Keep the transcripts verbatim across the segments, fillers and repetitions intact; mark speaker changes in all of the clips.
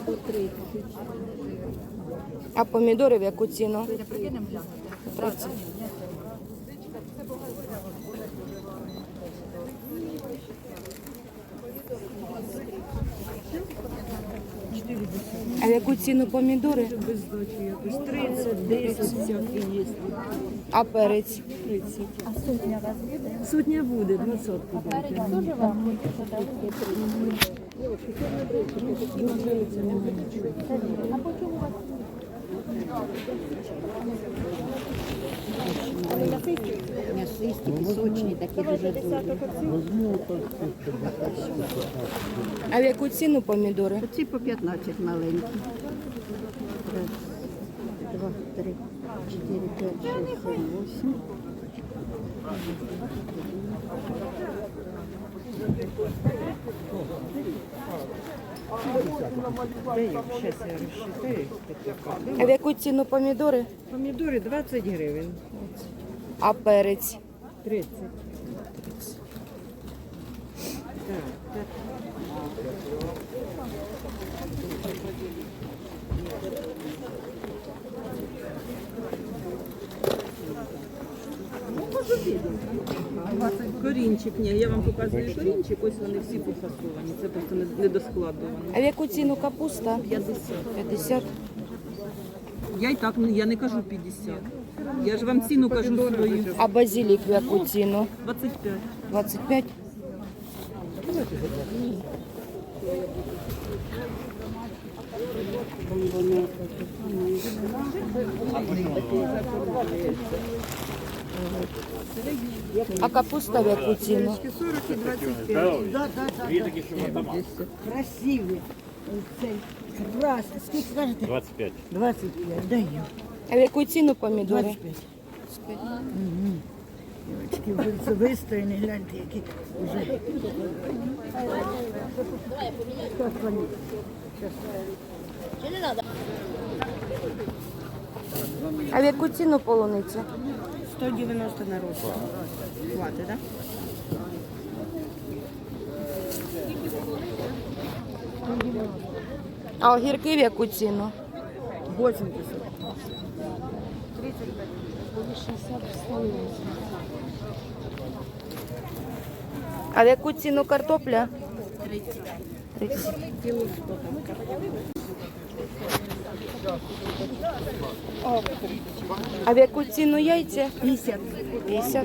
Speaker 1: А помідори в яку ціну? тридцять. А в яку ціну помідори?
Speaker 2: Без здачі якось тридцять, десять всякі є.
Speaker 1: А перець?
Speaker 2: тридцять. А сотня у вас буде? Сотня буде, двадцятку буде.
Speaker 3: Перець теж вам буде? А по чому у вас?
Speaker 2: М'ясисті, пісочні, такі дуже добрі.
Speaker 1: А в яку ціну помідори?
Speaker 2: Оці по п'ятнадцять маленькі. Раз, два, три, чотири, п'ять, шість, сім, вісім. Зараз я розчитаю.
Speaker 1: А в яку ціну помідори?
Speaker 2: Помідори двадцять гривень.
Speaker 1: А перець?
Speaker 2: тридцять. Так, так. Корінчик, ні, я вам показую корінчик, ось вони всі пофасовані, це просто не- недоскладовано.
Speaker 1: А в яку ціну капуста?
Speaker 2: п'ятдесят.
Speaker 1: п'ятдесят.
Speaker 2: Я і так, я не кажу п'ятдесят. Я ж вам ціну кажу свою.
Speaker 1: А базилік в яку ціну?
Speaker 2: двадцять п'ять.
Speaker 1: двадцять п'ять. А капуста в яку ціну?
Speaker 2: сорок і двадцять п'ять.
Speaker 4: Красивий. Цей крас. Скільки скажете?
Speaker 5: двадцять п'ять.
Speaker 4: двадцять п'ять. Даю.
Speaker 1: А в яку ціну помідори?
Speaker 4: двадцять п'ять. Угу. Дівчатки, вулиці вистояні, гляньте, які вже.
Speaker 1: А в яку ціну полуниця?
Speaker 2: сто дев'яносто на рост. Хватить, так?
Speaker 1: А огірки в яку ціну?
Speaker 2: вісімдесят.
Speaker 1: А в яку ціну картопля? тридцять. А в яку ціну яйця?
Speaker 4: п'ятдесят.
Speaker 1: п'ятдесят.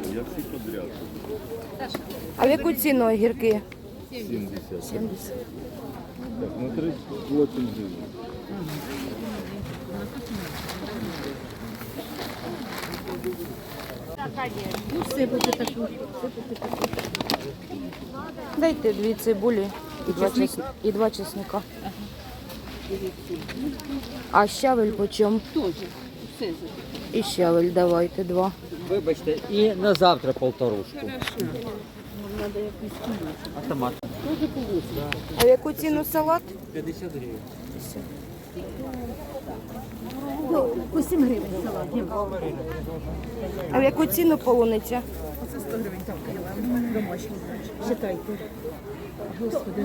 Speaker 1: А в яку ціну огірки?
Speaker 5: сімдесят.
Speaker 1: сімдесят.
Speaker 5: Так, на тридцять вісім гривень.
Speaker 2: Ну, сипати таку.
Speaker 1: Дайте дві цибулі і два, чес... і два чесника. А щавель по чому? І щавель давайте два.
Speaker 6: Вибачте, і на завтра полторушку. А томат?
Speaker 1: А в яку ціну салат?
Speaker 6: п'ятдесят гривень.
Speaker 4: По сім гривень салат.
Speaker 1: А в яку ціну полуниця?
Speaker 2: Це сто гривень там кіло. Домашній. Читайте. Господи.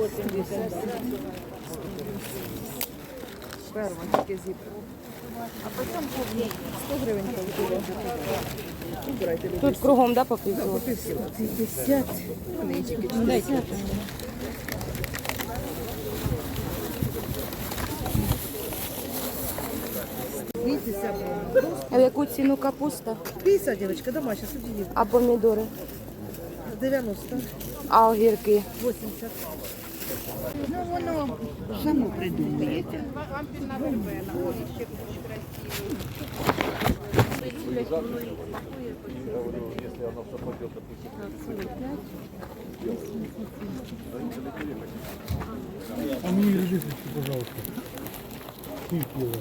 Speaker 2: Перва, тільки зібра. А потім сто гривень кіло. Убирайте, люди.
Speaker 1: Тут кругом, да, по півкіло?
Speaker 2: п'ятдесят. Нички. Дайте. Дивіться,
Speaker 1: А в яку ціну капуста?
Speaker 2: п'ятдесят, дівчатка, домашня, субсидія.
Speaker 1: А помідори?
Speaker 2: дев'яносто.
Speaker 1: А огірки?
Speaker 2: вісімдесят. Ну, воно само придумується.
Speaker 5: А мені режисер, пожалуйста. Скільки його?